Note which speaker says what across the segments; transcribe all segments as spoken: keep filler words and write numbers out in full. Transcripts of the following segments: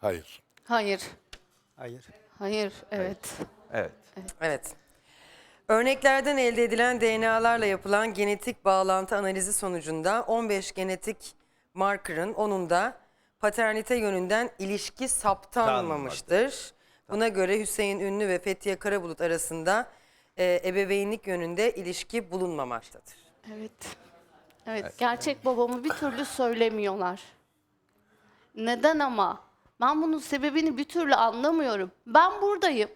Speaker 1: Hayır.
Speaker 2: Hayır.
Speaker 3: Hayır.
Speaker 2: Hayır. Evet.
Speaker 4: Evet.
Speaker 5: Evet. Örneklerden elde edilen D N A'larla yapılan genetik bağlantı analizi sonucunda on beş genetik markerın onunda paternite yönünden ilişki saptanmamıştır. Buna göre Hüseyin Ünlü ve Fethiye Karabulut arasında e, ebeveynlik yönünde ilişki bulunmamaktadır.
Speaker 2: Evet. Evet. Gerçek babamı bir türlü söylemiyorlar. Neden ama? Ben bunun sebebini bir türlü anlamıyorum. Ben buradayım.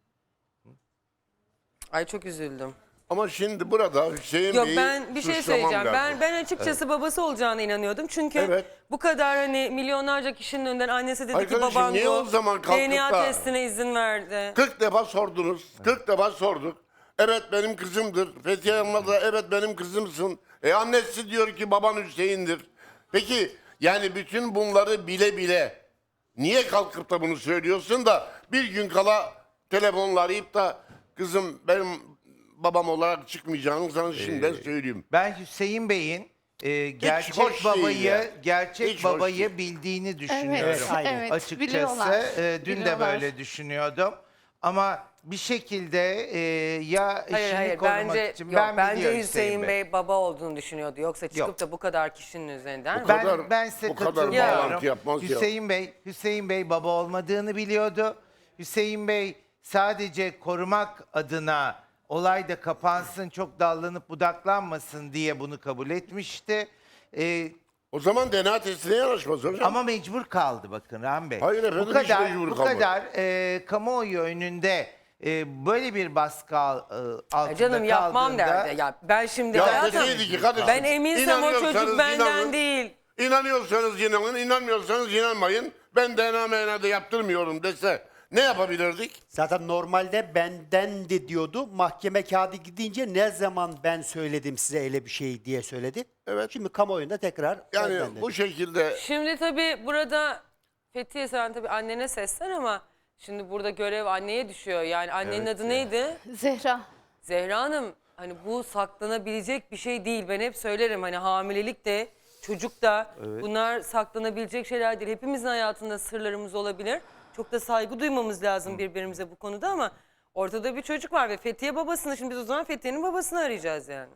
Speaker 5: Ay çok üzüldüm.
Speaker 1: Ama şimdi burada Hüseyin
Speaker 5: Yok
Speaker 1: Bey'i
Speaker 5: ben bir şey
Speaker 1: suçlamam
Speaker 5: söyleyeceğim.
Speaker 1: lazım.
Speaker 5: Ben ben açıkçası babası olacağına inanıyordum. Çünkü
Speaker 1: Evet.
Speaker 5: bu kadar hani milyonlarca kişinin önünden annesi dedi ki
Speaker 1: Arkadaşım,
Speaker 5: baban
Speaker 1: niye
Speaker 5: bu.
Speaker 1: o zaman kalkıp
Speaker 5: D N A
Speaker 1: da-
Speaker 5: testine izin verdi.
Speaker 1: kırk defa sordunuz. kırk defa sorduk. Evet benim kızımdır. Fethiye Yılmaz da evet benim kızımsın. E annesi diyor ki baban Hüseyin'dir. Peki yani bütün bunları bile bile niye kalkıp da bunu söylüyorsun da bir gün kala telefonla arayıp da kızım benim babam olarak çıkmayacağını sana şimdiden söyleyeyim.
Speaker 4: Ben Hüseyin Bey'in e, gerçek
Speaker 1: hoş değil
Speaker 4: babayı
Speaker 1: ya.
Speaker 4: gerçek
Speaker 1: Hiç hoş
Speaker 4: babayı
Speaker 1: değil.
Speaker 4: bildiğini düşünüyorum.
Speaker 2: Evet.
Speaker 3: aynen.
Speaker 2: Evet.
Speaker 4: Açıkçası
Speaker 2: biliyorlar.
Speaker 4: e, dün de
Speaker 2: Biliyorlar.
Speaker 4: böyle düşünüyordum. Ama bir şekilde e, ya eşini
Speaker 5: Hayır hayır
Speaker 4: korumak
Speaker 5: bence
Speaker 4: için
Speaker 5: yok,
Speaker 4: ben
Speaker 5: bence
Speaker 4: biliyorum
Speaker 5: Hüseyin Bey. baba olduğunu düşünüyordu. Yoksa çıkıp
Speaker 4: Yok.
Speaker 5: da bu kadar kişinin üzerinden
Speaker 1: Bu
Speaker 5: mi?
Speaker 4: Ben,
Speaker 1: kadar-
Speaker 4: ben size
Speaker 1: bu kadar
Speaker 4: katılıyorum.
Speaker 1: bağlantı yapmaz ya.
Speaker 4: Hüseyin Bey, Hüseyin Bey baba olmadığını biliyordu. Hüseyin Bey sadece korumak adına olay da kapansın, çok dallanıp budaklanmasın diye bunu kabul etmişti. Ee,
Speaker 1: O zaman D N A testine yanaşmaz hocam.
Speaker 4: ama mecbur kaldı bakın Rahmi Bey.
Speaker 1: Hayır efendim,
Speaker 4: bu
Speaker 1: hiç
Speaker 4: kadar,
Speaker 1: mecbur
Speaker 4: bu
Speaker 1: kalmadı.
Speaker 4: kadar e, kamuoyu önünde e, böyle bir baskı al, e, altında
Speaker 5: Ya canım yapmam
Speaker 4: kaldığında-
Speaker 5: derdi. Ya ben şimdi
Speaker 1: Ya
Speaker 5: hayatım,
Speaker 1: deseydi ki kardeşim,
Speaker 5: ben eminsem o
Speaker 1: inanıyorsanız
Speaker 5: çocuk benden
Speaker 1: inanın.
Speaker 5: değil.
Speaker 1: İnanıyorsanız inanın, inanmıyorsanız inanmayın. Ben D N A M N A da yaptırmıyorum dese ne yapabilirdik?
Speaker 3: Zaten normalde bendendi diyordu. Mahkeme kağıdı gidince ne zaman ben söyledim size öyle bir şey diye söyledi.
Speaker 1: Evet.
Speaker 3: Şimdi kamuoyunda tekrar
Speaker 1: Yani
Speaker 3: benden dedi.
Speaker 1: bu şekilde
Speaker 5: Şimdi tabii burada Fethiye sen tabii annene seslen ama şimdi burada görev anneye düşüyor. Yani annenin adı neydi?
Speaker 2: Zehra.
Speaker 5: Zehra Hanım, hani bu saklanabilecek bir şey değil. Ben hep söylerim hani hamilelik de çocuk da bunlar saklanabilecek şeyler değil. Hepimizin hayatında sırlarımız olabilir. Çok da saygı duymamız lazım birbirimize bu konuda ama ortada bir çocuk var ve Fethiye babasını, şimdi biz o zaman Fethiye'nin babasını arayacağız yani.